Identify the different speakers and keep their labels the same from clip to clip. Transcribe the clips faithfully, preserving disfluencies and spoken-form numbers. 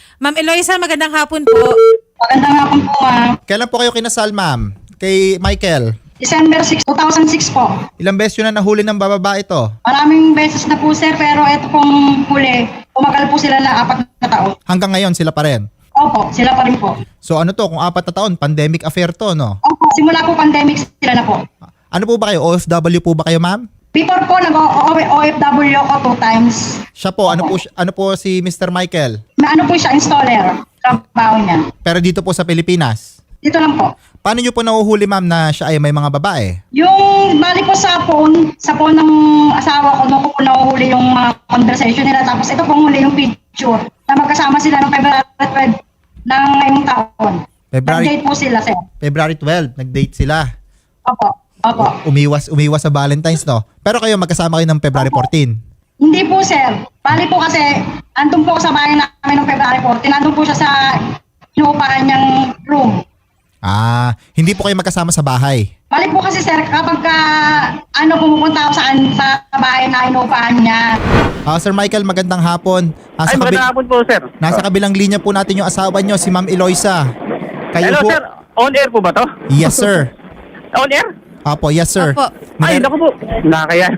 Speaker 1: Ma'am Eloisa, magandang hapon po.
Speaker 2: Magandang hapon po, ma'am.
Speaker 3: Kailan po kayo kinasal, ma'am? Kay Michael?
Speaker 2: December sixth, two thousand six po.
Speaker 3: Ilang beses yun na nahuli ng bababa ito?
Speaker 2: Maraming beses na po, sir, pero ito pong huli, umagal po sila na apat na taon.
Speaker 3: Hanggang ngayon sila pa rin?
Speaker 2: Opo, sila pa rin po.
Speaker 3: So ano to, kung apat na taon, pandemic affair to, no?
Speaker 2: Opo, simula po pandemic sila na po.
Speaker 3: Ano po ba kayo? O F W po ba kayo, ma'am?
Speaker 2: Before po, nag-O F W ako two times.
Speaker 3: Siya po, ano po, ano po si Mister Michael?
Speaker 2: Na ano po siya, installer. Trabaho niya.
Speaker 3: Pero dito po sa Pilipinas.
Speaker 2: Dito lang po.
Speaker 3: Paano nyo po nahuhuli, ma'am, na siya ay may mga babae?
Speaker 2: Yung balik ko sa phone, sa phone ng asawa ko, doon ko po nahuhuli yung mga conversation nila. Tapos ito pong huli yung picture na magkasama sila ng February twelve ng ngayong taon.
Speaker 3: February,
Speaker 2: Nag-date po sila, sir.
Speaker 3: February twelfth, nag-date sila.
Speaker 2: Opo, opo.
Speaker 3: Umiwas, umiwas sa Valentine's, no? Pero kayo, magkasama kayo ng February fourteenth.
Speaker 2: Hindi po, sir. Bali po kasi, andun po ako sa bahay namin ng February fourteenth. Andun po siya sa inuupahan niyang room.
Speaker 3: Ah, hindi po kayo magkasama sa bahay.
Speaker 2: Bali po kasi, sir, kapag ka, ano, pumupunta ako sa, sa bahay na inuupahan niya.
Speaker 3: Ah, Sir Michael, magandang hapon. Nasa,
Speaker 4: Ay, magandang
Speaker 3: kabi-
Speaker 4: hapon po, sir.
Speaker 3: nasa kabilang linya po natin yung asawa nyo, si Ma'am Eloisa. Kayo
Speaker 4: Hello,
Speaker 3: po?
Speaker 4: sir. On air po ba to?
Speaker 3: Yes, sir.
Speaker 4: On air?
Speaker 3: Apo, yes, sir.
Speaker 1: Opo.
Speaker 4: Ay,
Speaker 3: Nire-
Speaker 4: naku po. Nakakaya.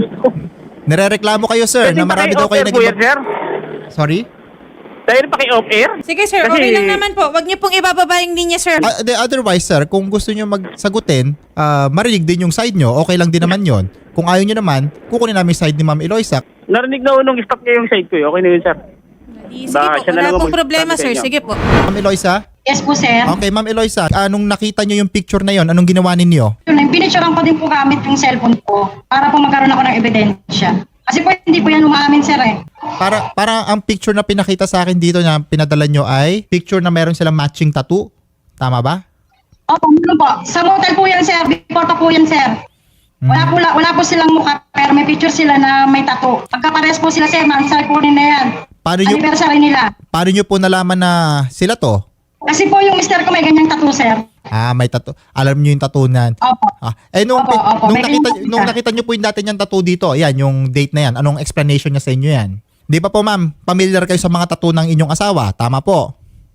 Speaker 3: Nirereklamo kayo, sir, na marami daw kayo
Speaker 4: naging...
Speaker 3: naging...
Speaker 4: sir?
Speaker 3: Sorry?
Speaker 4: Dahil pa kayo off air?
Speaker 1: Sige sir,
Speaker 4: Kasi-
Speaker 1: okay lang naman po. Huwag niyo pong ibababa yung linya, sir.
Speaker 3: Ah, de, otherwise, sir, kung gusto nyo magsagutin, ah, marinig din yung side nyo, okay lang din naman yon. Kung ayaw nyo naman, kukunin namin yung side ni Ma'am Eloisa.
Speaker 4: Narinig na unong stop niya yung side ko. eh. Okay na yun, sir.
Speaker 1: Sige
Speaker 4: Baka
Speaker 1: po,
Speaker 4: siya na
Speaker 1: wala
Speaker 4: lang
Speaker 1: pong
Speaker 4: mag-
Speaker 1: problema,
Speaker 4: sabi sa
Speaker 1: sir.
Speaker 4: inyo.
Speaker 1: Sige po.
Speaker 3: Ma'am Eloisa?
Speaker 2: Yes po, sir.
Speaker 3: Okay, Ma'am Eloisa, anong nakita nyo yung picture na yon? Anong ginawa ninyo?
Speaker 2: Yun, pinicturean ko din po gamit yung cellphone ko para po magkaroon ako ng ebidensya. Kasi po hindi po yan umaamin, sir, eh.
Speaker 3: Para, para ang picture na pinakita sa akin dito na pinadala nyo ay picture na meron silang matching tattoo. Tama ba?
Speaker 2: Opo, ano po. Sa motel po yan, sir. Before pa po yan, sir. Wala po, la- wala po silang mukha, pero may picture sila na may tattoo. Pagkapares po sila, sir, mansay po rin na yan.
Speaker 3: Paano nyo,
Speaker 2: Anniversary nila.
Speaker 3: paano nyo po nalaman na sila to?
Speaker 2: Kasi po yung mister ko may ganyang tattoo, sir.
Speaker 3: Ah, may tattoo. Alam nyo yung tattoo na.
Speaker 2: Opo.
Speaker 3: Ah, eh nung,
Speaker 2: Opo, opo.
Speaker 3: nung
Speaker 2: May
Speaker 3: nakita
Speaker 2: ganyan
Speaker 3: nung
Speaker 2: siya.
Speaker 3: nakita niyo po yung dati niyang tattoo dito, yan yung date na yan. Anong explanation niya sa inyo yan? Di ba po ma'am, familiar kayo sa mga tattoo ng inyong asawa? Tama po.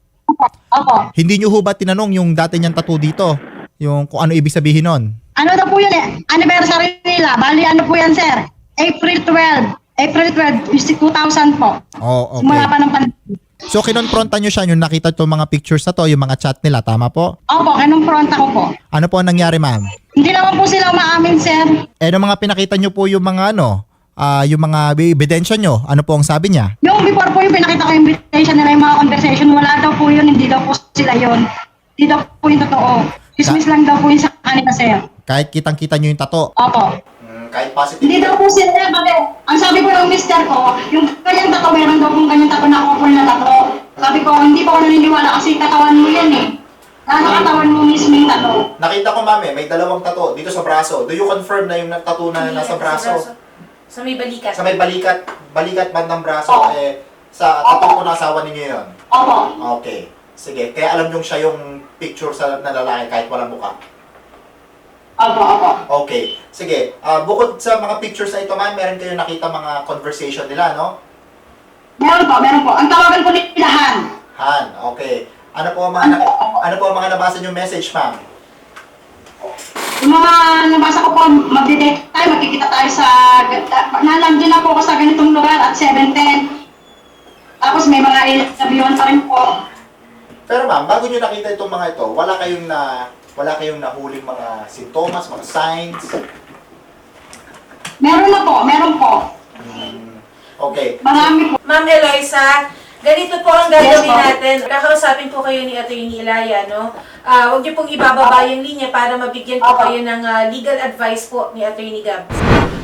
Speaker 2: Opo.
Speaker 3: Hindi niyo ho ba tinanong yung dati niyang tattoo dito? Yung kung ano ibig sabihin nun?
Speaker 2: Ano daw po yun eh? Anniversary nila. Bali, ano po yan, sir? April twelfth. April twelfth, two thousand po.
Speaker 3: Oh,
Speaker 2: Simula
Speaker 3: okay.
Speaker 2: pa ng pandemic.
Speaker 3: So kinonfronta niyo siya yung nakita itong mga pictures na to, yung mga chat nila, tama po?
Speaker 2: Opo, kinumpronta ko po.
Speaker 3: Ano po ang nangyari ma'am?
Speaker 2: Hindi naman po sila umaamin, sir.
Speaker 3: Eh nung mga pinakita niyo po yung mga ano, ah yung mga ebidensya niyo, ano po ang sabi niya?
Speaker 2: Yung before po yung pinakita ko yung invitation nila, yung mga conversation, wala daw po yun, hindi daw po sila yun. Hindi daw po yung totoo. Chismis lang daw po yung sa kanila, sir.
Speaker 3: Kahit kitang-kita niyo yung tattoo.
Speaker 2: Opo.
Speaker 3: Hmm, kahit positive.
Speaker 2: Hindi daw po sila, bakit? Ang sabi ko ng mister ko, yung kanyang tato, meron daw pong kanyang tato na couple na tato. Sabi ko, hindi pa ako naniniwala kasi katawan mo yan eh. Ano katawan mo mismo yung tato?
Speaker 3: Nakita ko ma'am eh, may dalawang tattoo dito sa braso. Do you confirm na yung tattoo na nasa braso?
Speaker 1: Sa may balikat.
Speaker 3: Sa may balikat, balikat bandang braso,
Speaker 2: Oo.
Speaker 3: eh, sa tattoo ko na asawa ninyo yun.
Speaker 2: Opo.
Speaker 3: Okay. Sige, kaya alam yung siya yung picture sa na lalaki kahit walang mukha.
Speaker 2: Opo, opo.
Speaker 3: Okay. Sige, ah, bukod sa mga pictures na ito ma'am, meron kayo nakita mga conversation nila, no?
Speaker 2: Meron po, meron po. Ang tawagan po nila Han.
Speaker 3: Han, okay. Ano po ang mga, na- ano po ang mga nabasa yung message ma'am?
Speaker 2: Yung mga nabasa ko po, magde-date tayo, magkikita tayo sa, nalandin na po ako sa ganitong lugar at seven ten. Tapos may mga ilabiyon pa rin po.
Speaker 3: Pero ma'am, bago nyo nakita itong mga ito, wala kayong na wala kayong nahuling mga sintomas, mga signs?
Speaker 2: Meron na po, meron po.
Speaker 3: Hmm, okay.
Speaker 2: Marami po.
Speaker 1: Ma'am Eloisa, ganito po ang gagawin
Speaker 2: Yes, ma'am.
Speaker 1: natin. Kakausapin po kayo ni Atty. Ilaya, no? Ah, huwag niyo pong ibababa yung linya para mabigyan po
Speaker 2: Opo.
Speaker 1: kayo ng ah, legal advice po ni Atty. Gab.